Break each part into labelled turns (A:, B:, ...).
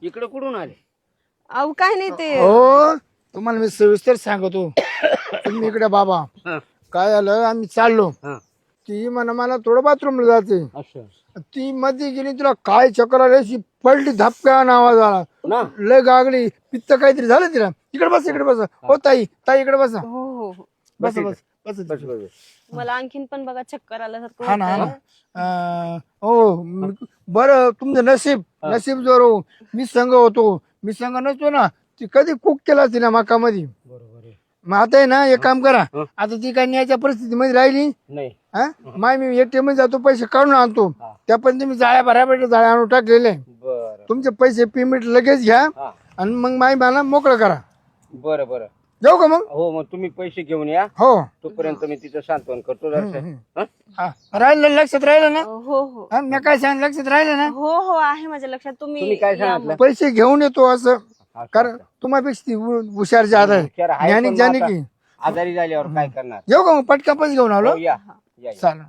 A: इकडे कुठून आले?
B: अहो काय नाही ते
C: हो तुम्हाला मी सविस्तर सांगतो. तुम्ही इकडे बाबा
A: हा,
C: काय झालं आम्ही चाललो
A: हा.
C: ती म्हणा मला थोडं बाथरूमला जायचंय.
A: असं
C: ती मध्ये गेली तुला काय चक्कर आली अशी पडली धपका आवाज आला
A: ना.
C: लय गागली पित्त काहीतरी झालं तिला. इकडे बस इकडे बस हो ताई ताई इकडे बसा
B: हो हो हो
C: बस बस बस
A: बस बस.
B: मला आणखीन पण बघा चक्कर आल्यासारखं
C: हा ना हा
B: होतंय.
C: ना हो बरं तुमचं नशीब नशीब जोर हो. मी संघ होतो मी संघ नसतो ना ती कधी कुक केला तिला मकामध्ये.
A: बरोबर आहे.
C: मग आता आहे ना एक काम करा
A: हं.
C: आता ती काय न्यायच्या परिस्थितीमध्ये राहिली
A: नाही.
C: हा माय मी ATM मध्ये जातो पैसे काढून आणतो
A: हा.
C: त्या पण तुम्ही जाळ्या बऱ्यापैकी जाळ्या आणून टाकलेले
A: बरं.
C: तुमचे पैसे पेमेंट लगेच घ्या
A: हा.
C: आणि मग माय मला मोकळं करा.
A: बरं बरं.
C: जाऊ का मग
A: हो मग तुम्ही पैसे घेऊन या.
C: हो
A: तोपर्यंत मी तिचं सांत्वन करतो दर्शन. हा?
C: हा राहिलं लक्षात राहिलं ना
B: हो हो
C: हा मी काय सांग लक्षात राहिलं ना
B: हो हो आहे माझ्या लक्षात.
A: तुम्ही
B: तुम्ही
A: काय
B: या
A: सांगितलं?
C: पैसे घेऊन येतो असं
A: हा,
C: कारण तुम्हापेक्षा ती हुशार ज्यादा आहे.
A: हुशार आहे,
C: ज्ञानी
A: पण
C: ज्ञानी
A: मग
C: की
A: आता आजारी झाल्यावर काय करणार?
C: येऊ का मग पटका पैसे घेऊन आलो
A: हो, या या.
C: चालेल.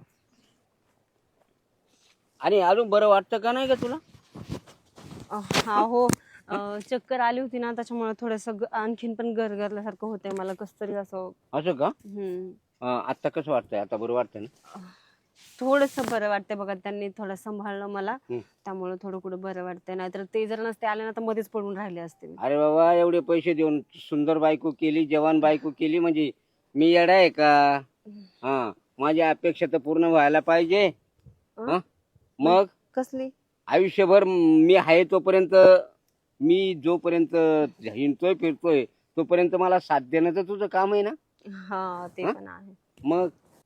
A: आणि अजून बरं वाटतं का नाही का तुला?
B: हा हो चक्कर आली होती ना त्याच्यामुळे थोडस आणखीन पण गरगरल्यासारखं होतंय मला कस तरी असं.
A: असं का?
B: हम्म
A: आता कसं वाटतंय? आता बरं वाटतं ना?
B: थोडस बरं वाटतंय बघा. त्यांनी थोडं सांभाळलं मला
A: हम्म.
B: त्यामुळे थोडं कुठं बरं वाटतंय. नाहीतर ते जर नसते आले ना तर मध्येच पडून राहिले असते मी.
A: अरे बाबा एवढे पैसे देऊन सुंदर बायको केली, जवान बायको केली, म्हणजे मी येडा आहे का? हा, माझ्या अपेक्षा तर पूर्ण व्हायला पाहिजे. हा? मग
B: कसली?
A: आयुष्यभर मी आहे तोपर्यंत, मी जोपर्यंत हिंडतोय फिरतोय तोपर्यंत मला साथ देणं तर तुझं काम आहे ना.
B: हा ते
A: हा?
B: पण आहे.
A: मग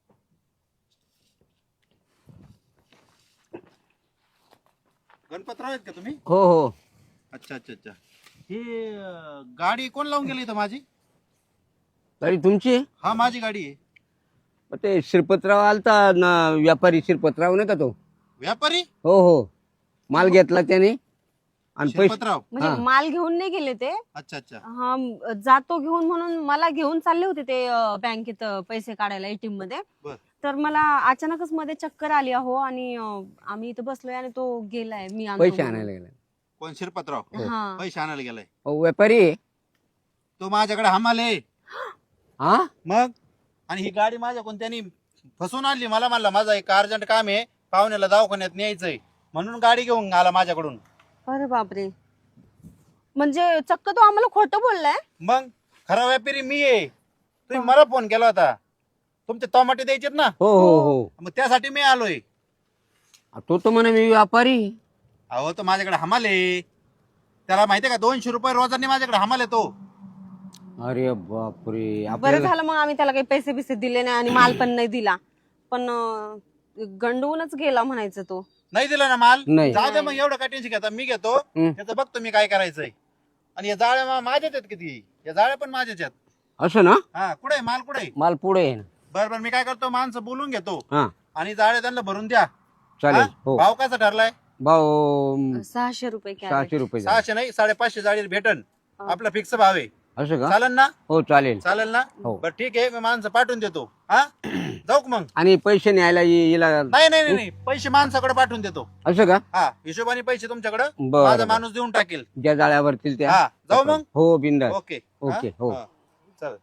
D: गणपतराव आहेत का तुम्ही?
A: हो हो.
D: अच्छा अच्छा अच्छा. ही गाडी कोण लावून गेली इथं माझी?
A: तरी तुमची
D: हा माझी गाडी आहे.
A: ते श्रीपतराव आलता ना, व्यापारी श्रीपतराव नाही का तो?
D: व्यापारी
A: हो हो. माल घेतला त्याने आणि पैसे.
D: शिरपतराव.
B: म्हणजे
A: हा.
B: माल घेऊन नाही गेले ते.
D: अच्छा अच्छा.
B: हा जातो घेऊन म्हणून मला घेऊन चालले होते ते बँकेत पैसे काढायला ATM मध्ये.
D: बर.
B: तर मला अचानकच मध्ये चक्कर आली अहो आणि आम्ही इथं बसलोय आणि तो गेलाय. मी आणतो
A: पैसे
B: म्हणून.
A: आणायला गेला.
D: कोण शिरपतराव?
B: हा
D: पैसे आणायला गेलाय.
A: हो, व्यापारी आहे.
D: तो माझ्याकडे हमाल आहे.
A: हा.
D: मग आणि ही गाडी माझ्या कोणत्यानी फसवून आणली. मला म्हणला माझा एक अर्जंट काम आहे, पाहुण्याला दवाखान्यात न्यायचंय, म्हणून गाडी घेऊन आला माझ्याकडून.
B: अरे बापरे. म्हणजे चक्क तो आम्हाला खोटं बोललाय.
D: मग खरा व्यापारी मी आहे. तुम्ही मला फोन केला होता, तुमचे टमाटे द्यायचेत ना,
A: हो हो हो.
D: मग त्यासाठी मी आलोय.
A: तो तर म्हणे मी व्यापारी.
D: अहो तो माझ्याकडे हमाल आहे. त्याला माहितीये का 200 रुपये रोजांनी माझ्याकडे हमाल आहे तो.
A: अरे बापरे.
B: बरं
A: आपल्याला
B: झालं मग आम्ही त्याला काही पैसे बिसे दिले नाही आणि माल पण नाही दिला. पण गंडवूनच गेला म्हणायचं तो.
D: नाही दिला ना माल?
A: नाही.
D: जाऊ दे मग, एवढं काय टेन्शन घेता, मी घेतो
A: हम्म.
D: त्याचं बघतो मी काय करायचंय. आणि या जाळ्या माझ्याच आहेत किती, या जाळ्या पण माझ्याच आहेत.
A: असं ना.
D: हा कुठे माल कुठे?
A: माल पुढे आहे ना.
D: बरं मी काय करतो, माणसं बोलून घेतो
A: हा
D: आणि जाळ्या त्यांना भरून द्या.
A: चालेल.
D: हा?
A: हो.
D: भाव कसा ठरलाय?
A: भाऊ
B: 600 रुपये कॅरेट.
A: 600 रुपये झाले.
D: 600 नाही 550 जाळी भेटन. आपला फिक्स भाव आहे.
A: असं का?
D: चालेल ना?
A: हो चालेल.
D: चालेल ना?
A: हो.
D: बरं ठीक आहे, मी माणसं पाठवून देतो. हा जाऊ का मग?
A: आणि पैसे न्यायला येला.
D: नाही नाही नाही पैसे माणसाकडे पाठवून देतो.
A: असं का?
D: हा हिशोबाने पैसे तुमच्याकडे
A: बरं,
D: माझा
A: बरं.
D: माणूस देऊन टाकेल.
A: ज्या जाळ्यावरतील त्या.
D: हा जाऊ मग.
A: हो बिंदास.
D: ओके
A: ओके, हो.
D: चल.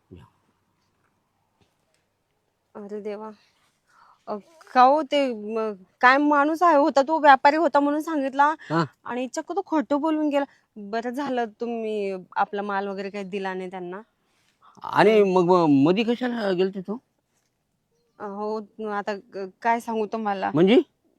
B: अरे देवा. का हो ते काय माणूस आहे होता तो व्यापारी होता म्हणून सांगितला
A: हा.
B: आणि चक्क तो खोटं बोलून गेला. बरं झालं तुम्ही आपला माल वगैरे काही दिला नाही त्यांना.
A: आणि मग मधी कशाला गेलते तो?
B: हो आता काय सांगू तुम्हाला.
A: म्हणजे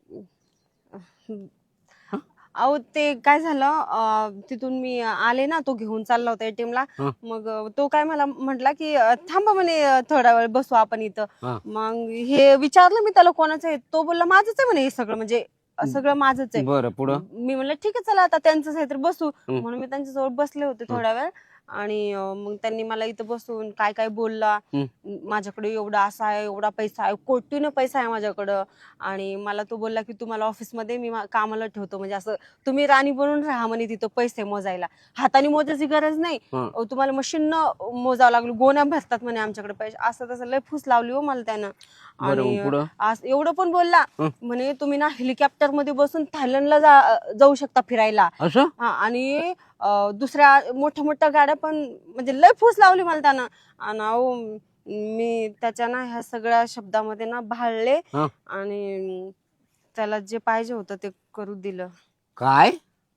B: अहो ते काय झालं तिथून मी आले ना, तो घेऊन चालला होता ATM ला.
A: हा.
B: मग तो काय मला म्हटला की थांबा म्हणे थोडा वेळ बसू आपण इथं.
A: हा.
B: मग हे विचारलं मी त्याला कोणाचं आहे. तो बोलला माझंच आहे म्हणे हे सगळं, म्हणजे सगळं माझंच आहे.
A: बरं पुढं.
B: मी म्हणलं ठीक आहे चला आता त्यांचंच आहे तर बसू.
A: हम्म.
B: म्हणून मी त्यांच्याजवळ बसले होते थोडा वेळ आणि मग त्यांनी मला इथं बसून काय काय बोलला. माझ्याकडे एवढा असा आहे, एवढा पैसा आहे, कोटीनं पैसा आहे माझ्याकडं. आणि मला तो बोलला की तुम्हाला ऑफिसमध्ये मी कामाला ठेवतो, म्हणजे असं तुम्ही राणी बनून राहा म्हणे तिथं पैसे मोजायला, हाताने मोजायची गरज नाही, तुम्हाला मशीननं मोजावं लागलं, गोण्या भरतात म्हणे आमच्याकडे पैसे. असं तसं लय फूस लावली हो मला त्यानं. आणि एवढं पण बोलला म्हणे तुम्ही ना हेलिकॉप्टर मध्ये बसून थायलंडला जाऊ शकता फिरायला. आणि दुसऱ्या मोठ्या मोठ्या गाड्या पण, म्हणजे लय फूस लावली मला त्यानं. आणि मी त्याच्या ना ह्या सगळ्या शब्दामध्ये ना भाळले आणि त्याला जे पाहिजे होतं ते करू दिलं.
A: काय?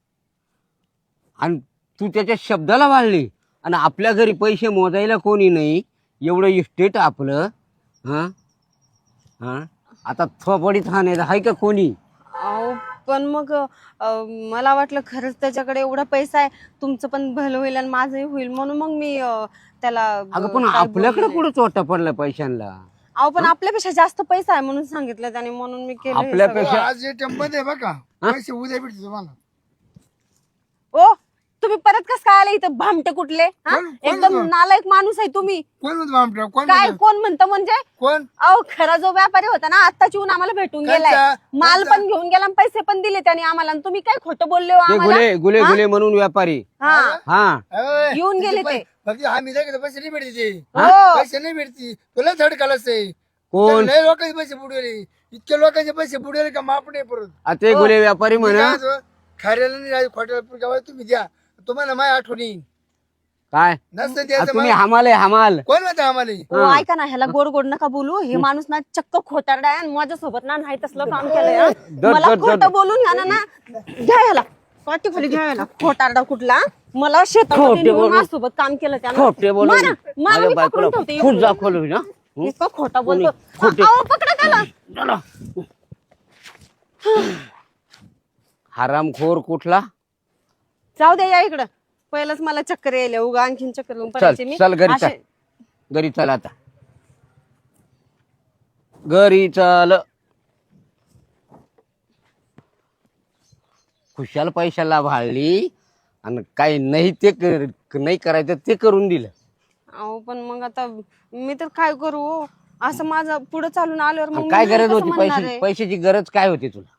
A: आणि तू त्याच्या शब्दाला वाढली आणि आपल्या घरी पैसे मोजायला कोणी नाही, एवढं इस्टेट आपलं. हा हा आता थोपडीत आहे का कोणी?
B: पण मग मला वाटलं खरंच त्याच्याकडे एवढा पैसा आहे, तुमचं पण भलं होईल आणि माझंही होईल, म्हणून मग मी त्याला.
A: अगं पण आपल्याकडे कुठं चोटा पडला पैशांना?
B: अहो पण आपल्यापेक्षा जास्त पैसा आहे म्हणून सांगितलं त्याने, म्हणून मी केलं.
A: आपल्यापेक्षा
C: आज ATM मध्ये बघा पैसे उद्या भेटते तुम्हाला.
B: ओ तुम्ही परत कस काय आले इथं भामटे कुठले? एकदम नालायक माणूस आहे तुम्ही. काय कोण म्हणतं म्हणजे?
C: कोण?
B: अहो खरा जो व्यापारी होता ना आत्ताच येऊन आम्हाला भेटून गेलाय, माल पण घेऊन गेला, पैसे पण दिले त्याने आम्हाला. तुम्ही काय खोटं बोलले हो आम्हाला?
A: गुले गुले म्हणून व्यापारी
B: येऊन गेले ते.
C: आम्ही पैसे नाही भेटते, पैसे नाही भेटते, तुला झडकालच आहे.
A: कोण?
C: लय लोकांचे पैसे बुडवले, इतके लोकांचे पैसे बुडवले का माप नाही परत.
A: ते गुले व्यापारी म्हणा
C: खाऱ्याला नाही खोट्याला तुम्ही द्या, तुम्हाला माझ्या आठवणी
A: काय
C: नसतं
A: तुम्ही
C: द्यायचं.
A: हमाल हमाल
C: कोण म्हणतं आम्हाला?
B: हो ऐका ना, ह्याला गोड गोड नका बोलू. हे माणूस ना चक्क खोटारडा आहे आणि माझ्यासोबत ना नाही तसलं काम केलंय. मला खोटं बोलून घ्या ना, घ्या ह्याला पाठी खाली, घ्या ह्याला खोटारडा कुठला. मला शेतामध्ये माझ्यासोबत काम केलं त्यानं.
A: खोटे बोलून
B: मला मी पकडून ठेवते.
A: खूप दाखवलं ना,
B: इतकं खोटा बोलतो. अहो, पकडा त्याला.
A: हरामखोर कुठला?
B: जाऊ दे, या इकडं. पहिलंच मला चक्कर यायला, उगा आणखीन चक्कर येऊन पडायची मी.
A: चल घरी चल, घरी चल, आता घरी चल. खुशाल पैशाला भाळली आणि काही नाही ते नाही करायचं ते करून दिलं.
B: अहो पण मग आता मी तर काय करू? असं माझं पुढे चालून आल्यावर मग
A: काय
B: मी
A: गरज
B: कसं
A: होती
B: म्हणणार
A: पैशाची?
B: आहे?
A: पैशाची गरज काय होती तुला?